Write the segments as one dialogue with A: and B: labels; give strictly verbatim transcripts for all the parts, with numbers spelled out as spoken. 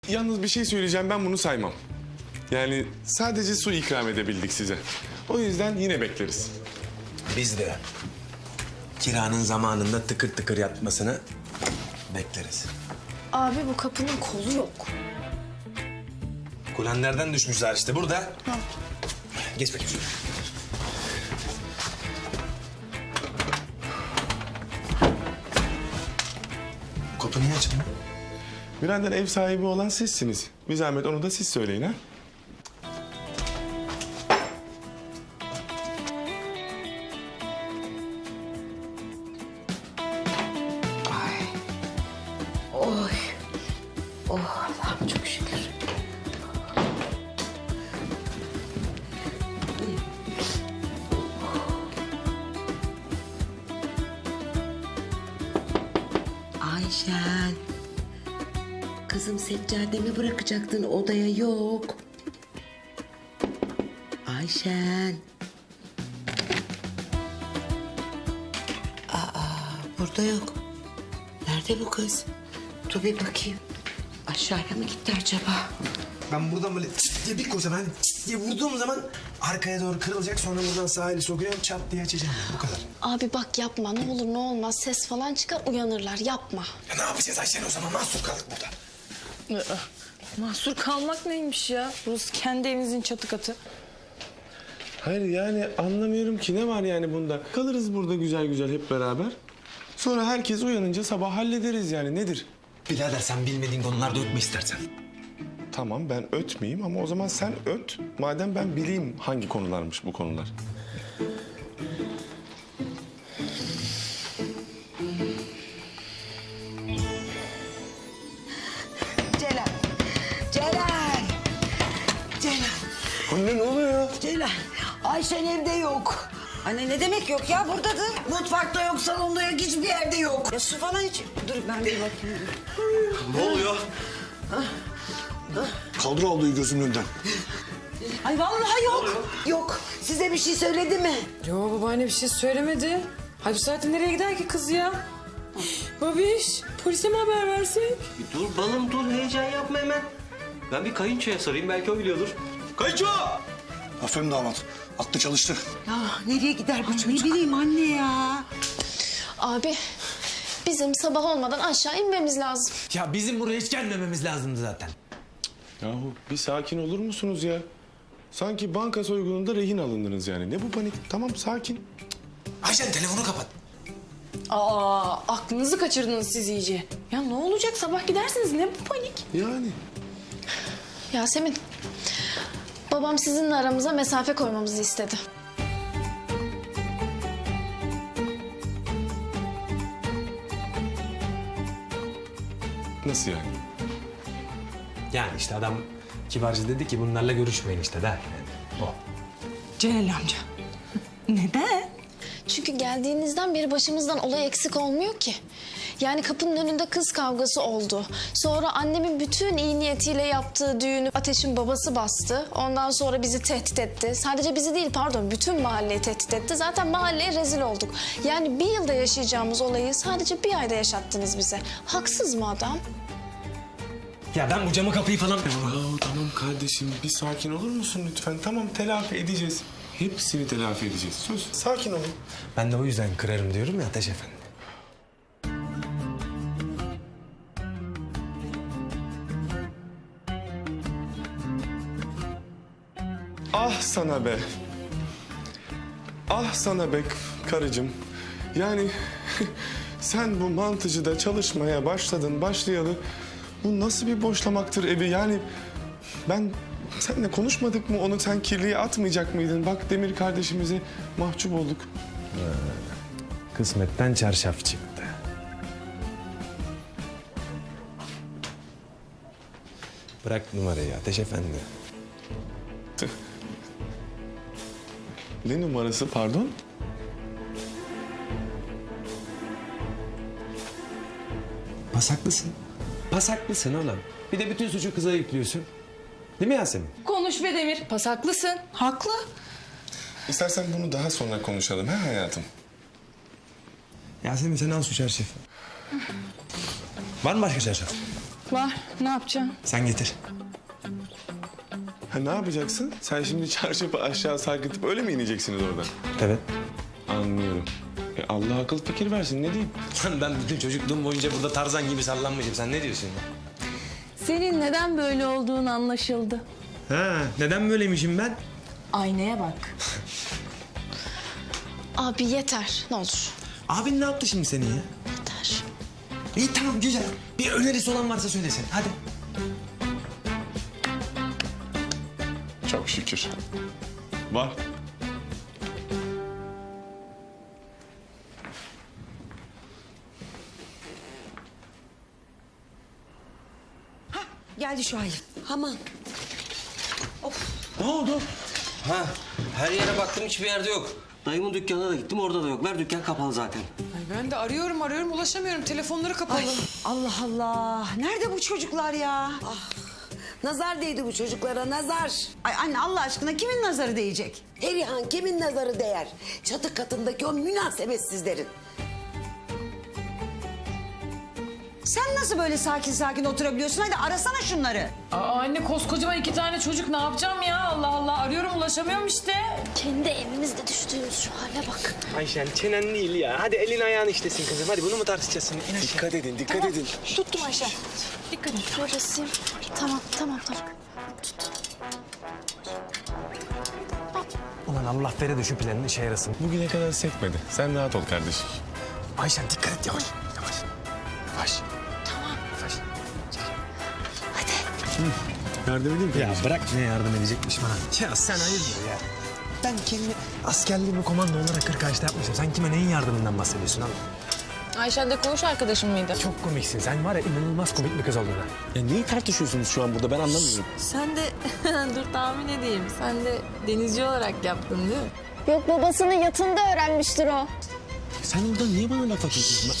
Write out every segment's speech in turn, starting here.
A: Yalnız bir şey söyleyeceğim, ben bunu saymam. Yani sadece su ikram edebildik size. O yüzden yine bekleriz.
B: Biz de kiranın zamanında tıkır tıkır yatmasını bekleriz.
C: Abi bu kapının kolu yok.
B: Kulenlerden düşmüşler işte burada.
C: Ha.
B: Geç bakayım şuraya. Bu kapı niye açıldı?
A: Birader, ev sahibi olan sizsiniz. Bir zahmet onu da siz söyleyin ha.
D: Oy. Oh Allah'ım çok şükür. Ayşen. Kızım seccademi bırakacaktın odaya yok. Ayşen. Aa burada yok. Nerede bu kız? Dur bir bakayım. Aşağıya mı gitti acaba?
B: Ben buradan böyle çıt diye bir koysam, hani çıt diye vurduğum zaman arkaya doğru kırılacak. Sonra buradan sağ eli sokuyorum, çat diye açacağım. Bu kadar.
C: Abi bak yapma, ne olur ne olmaz, ses falan çıkar uyanırlar, yapma.
B: Ya ne yapacağız Ayşen o zaman? Mahsur kaldık burada.
E: Aa, mahsur kalmak neymiş ya? Burası kendi evinizin çatı katı.
A: Hayır yani anlamıyorum ki, ne var yani bunda? Kalırız burada güzel güzel hep beraber. Sonra herkes uyanınca sabah hallederiz yani, nedir?
B: Birader sen bilmediğin konularda ötme istersen.
A: Tamam, ben ötmeyeyim ama o zaman sen öt. Madem ben bileyim hangi konularmış bu konular.
D: Celal. Celal. Celal.
A: Anne ne oluyor ya?
D: Celal. Ayşen evde yok. Anne ne demek yok ya, buradadır. Mutfakta yok, salonda yok, hiçbir yerde yok. Ya su falan hiç... Dur ben bir bakayım.
F: Ne oluyor? Kaldır aldığı gözümün önünden.
D: Ay vallahi yok. Yok. Size bir şey söyledi mi?
E: Yo babaanne bir şey söylemedi. Hay bu saatte nereye gider ki kız ya? Babiş polise mi haber versek?
F: Bir dur balım dur, heyecan yapma hemen. Ben bir kayınçoya sorayım, belki o biliyordur. Kayınço! Aferin damat. Aklı çalıştı.
D: Ya nereye gider bu çocuk? Ne bileyim anne ya.
C: Abi bizim sabah olmadan aşağı inmemiz lazım.
B: Ya bizim buraya hiç gelmememiz lazımdı zaten.
A: Yahu bir sakin olur musunuz ya? Sanki banka soygununda rehin alındınız yani. Ne bu panik? Tamam, sakin.
B: Ayşen telefonu kapat.
E: Aa aklınızı kaçırdınız siz iyice. Ya ne olacak, sabah gidersiniz, ne bu panik?
A: Yani.
C: Yasemin, babam sizinle aramıza mesafe koymamızı istedi.
A: Nasıl yani?
B: Yani işte adam kibarca dedi ki bunlarla görüşmeyin işte der. Yani o.
E: Celal amca. Neden?
C: Çünkü geldiğinizden beri başımızdan olay eksik olmuyor ki. Yani kapının önünde kız kavgası oldu. Sonra annemin bütün iyi niyetiyle yaptığı düğünü Ateş'in babası bastı. Ondan sonra bizi tehdit etti. Sadece bizi değil, pardon, bütün mahalleyi tehdit etti. Zaten mahalleye rezil olduk. Yani bir yılda yaşayacağımız olayı sadece bir ayda yaşattınız bize. Haksız mı adam?
B: Ya ben bu camı kapıyı falan...
A: Yahu tamam kardeşim, bir sakin olur musun lütfen? Tamam, telafi edeceğiz. Hepsini telafi edeceğiz. Söz. Sakin olun.
B: Ben de o yüzden kırarım diyorum ya Ateş Efendi.
A: Ah sana be. Ah sana be karıcığım. Yani sen bu mantıcıda çalışmaya başladın, başlayalı. Bu nasıl bir boşlamaktır evi? Yani ben seninle konuşmadık mı? Onu sen kirliye atmayacak mıydın? Bak Demir kardeşimize mahcup olduk.
B: Kısmetten çarşaf çıktı. Bırak numarayı Ateş Efendi.
A: Ne numarası pardon?
B: Pasaklısın. Pasaklısın oğlum. Bir de bütün suçu kıza yüklüyorsun. Değil mi Yasemin?
E: Konuş be Demir. Pasaklısın. Haklı.
A: İstersen bunu daha sonra konuşalım ha hayatım?
B: Yasemin sen al şu çarşafı. Var mı başka çarşaf?
E: Var. Ne yapacaksın?
B: Sen getir.
A: Ha, ne yapacaksın? Sen şimdi çarşafı aşağı sarkıtıp öyle mi ineceksiniz oradan?
B: Evet.
A: Anlıyorum. E, Allah akıl fikir versin, ne diyeyim?
B: Lan ben bütün çocukluğum boyunca burada Tarzan gibi sallanmışım. Sen ne diyorsun ya?
E: Senin neden böyle olduğun anlaşıldı.
B: Ha, neden böyleymişim ben?
E: Aynaya bak.
C: Abi yeter ne olur.
B: Abin ne yaptı şimdi senin ya?
C: Yeter.
B: İyi tamam güzel. Bir önerisi olan varsa söylesin. Hadi.
A: Çok şükür. Var.
D: Geldi Şuayb. Aman.
F: Ne oldu? Ha, her yere baktım hiçbir yerde yok. Dayımın dükkanına da gittim orada da yok. Ver dükkan kapalı zaten.
E: Ay ben de arıyorum arıyorum ulaşamıyorum. Telefonları kapalı.
D: Ay, Allah Allah. Nerede bu çocuklar ya? Ah, nazar değdi bu çocuklara, nazar. Ay anne Allah aşkına kimin nazarı değecek?
G: Perihan kimin nazarı değer? Çatı katındaki o münasebetsizlerin.
D: Sen nasıl böyle sakin sakin oturabiliyorsun? Hadi arasana şunları.
E: Aa, anne koskocaman iki tane çocuk ne yapacağım ya? Allah Allah arıyorum ulaşamıyorum işte.
C: Kendi evimizde düştüğümüz şu hale bak.
B: Ayşen çenen değil ya. Hadi elin ayağın işlesin kızım. Hadi bunu mu tartışacağız şimdi? İn aşağı.
A: Dikkat edin, dikkat edin.
E: Tuttum Ayşe. Dikkat et.
C: Şöyle basayım. Tamam tamam tamam.
B: Ulan Allah vere de şu planın işe yarasın.
A: Bugüne kadar sekmedi. Sen rahat ol kardeşim.
B: Ayşen dikkat et yavaş. Yavaş. Yavaş.
C: Tamam.
B: Yavaş.
C: Hadi.
A: Yardım edeyim
B: Ya bırak ne yardım edecekmiş bana. Ya sen hayırdır ya? Ben kendi askerliğimi komando olarak kırk Ağaç'ta yapmışım. Sen kime neyin yardımından bahsediyorsun abi?
E: Ayşen de koğuş arkadaşım mıydı?
B: Çok komiksin. Sen var ya inanılmaz komik bir kız oldun ha.
A: Ya neyi tartışıyorsunuz şu an burada, ben anlamıyorum.
E: Sen de dur tahmin edeyim. Sen de denizci olarak yaptın değil mi?
C: Yok babasının yatında öğrenmiştir o.
A: Sen orada niye bana laf atıyorsun?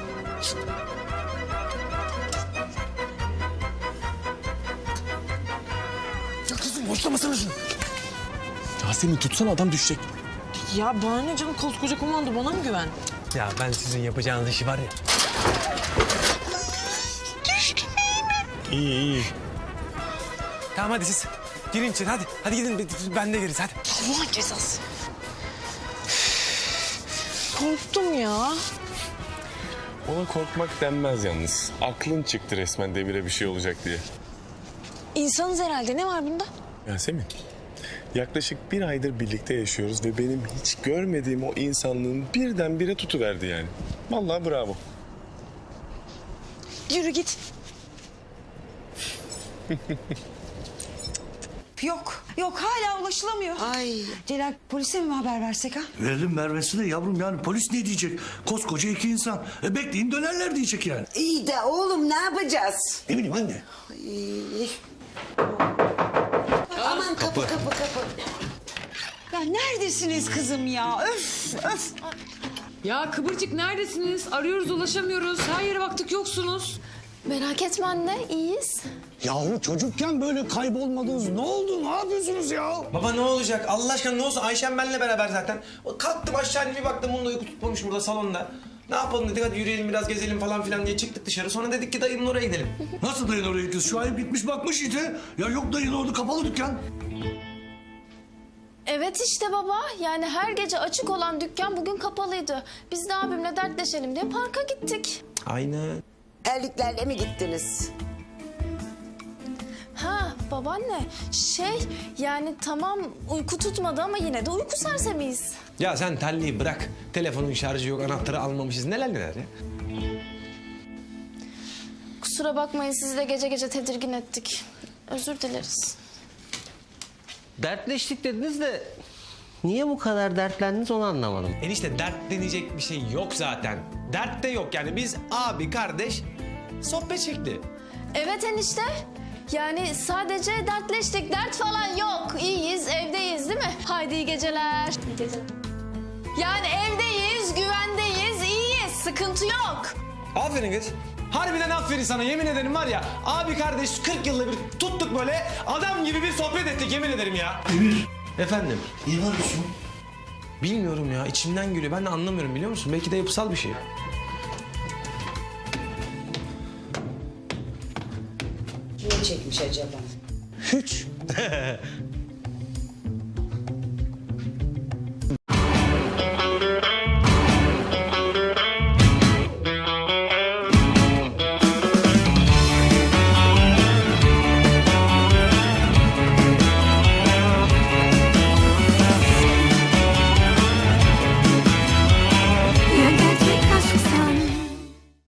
B: Ya kızım boşlamasana şunu.
A: Yasemin tutsana, adam düşecek.
E: Ya bana ne canım koskoca komando bana mı güven?
B: Ya ben sizin yapacağınız işi var ya.
A: İyi iyi.
B: Tamam hadi siz girin içeri hadi. Hadi gidin ben de gireriz hadi.
E: Allah'ın cezası. Korktum ya.
A: Ona korkmak denmez yalnız. Aklın çıktı resmen Demir'e bir şey olacak diye.
C: İnsanız herhalde, ne var bunda?
A: Yasemin, yaklaşık bir aydır birlikte yaşıyoruz ve benim hiç görmediğim o insanlığın birdenbire tutuverdi yani. Vallahi bravo.
C: Yürü git.
D: Yok, yok hala ulaşılamıyor.
G: Ay.
D: Celal polise mi haber versek ha?
H: Verelim vermesine yavrum yani polis ne diyecek? Koskoca iki insan. E bekleyin dönerler diyecek yani.
G: İyi de oğlum ne yapacağız?
H: Ne bileyim anne.
G: Ay. Aman kapı kapı kapı.
D: Ya neredesiniz kızım ya? Öf, öf.
E: Ya Kıvırcık neredesiniz? Arıyoruz ulaşamıyoruz. Her yere baktık yoksunuz.
C: Merak etme anne, iyiyiz.
H: Yahu çocukken böyle kaybolmadınız. Ne oldu? Ne yapıyorsunuz ya?
B: Baba ne olacak? Allah aşkına ne olsun? Ayşem benimle beraber zaten. Kalktım aşağı inip bir baktım bunun da uyku tutmamış burada salonda. Ne yapalım dedik, hadi yürüyelim biraz gezelim falan filan diye çıktık dışarı. Sonra dedik ki dayımın oraya gidelim.
H: Nasıl dayın oraya gidiyorsun? Şu ayıp gitmiş bakmış işte. Ya yok dayın orada kapalı dükkan.
C: Evet işte baba, yani her gece açık olan dükkan bugün kapalıydı. Biz de abimle dertleşelim diye parka gittik.
B: Aynen.
G: Erliklerle mi gittiniz?
C: Ha babaanne, şey yani tamam uyku tutmadı ama yine de uyku sersemiyiz.
B: Ya sen telliyi bırak. Telefonun şarjı yok, anahtarı almamışız. Neler neler ya.
C: Kusura bakmayın, sizi de gece gece tedirgin ettik. Özür dileriz.
F: Dertleştik dediniz de niye bu kadar dertlendiniz onu anlamadım.
B: Enişte dert deneyecek bir şey yok zaten. Dert de yok yani. Biz abi kardeş sohbet şekli.
C: Evet enişte. Yani sadece dertleştik, dert falan yok. İyiyiz, evdeyiz değil mi? Haydi iyi geceler. İyi geceler. Yani evdeyiz, güvendeyiz, iyiyiz. Sıkıntı yok.
B: Aferin kız. Harbiden aferin sana, yemin ederim var ya. Abi kardeş kırk yılda bir tuttuk böyle adam gibi bir sohbet ettik, yemin ederim ya.
H: Emir.
B: Efendim?
H: Niye varıyorsun?
B: Bilmiyorum ya, içimden geliyor. Ben de anlamıyorum, biliyor musun? Belki de yapısal bir şey.
D: hiç acaba?
H: Hiç.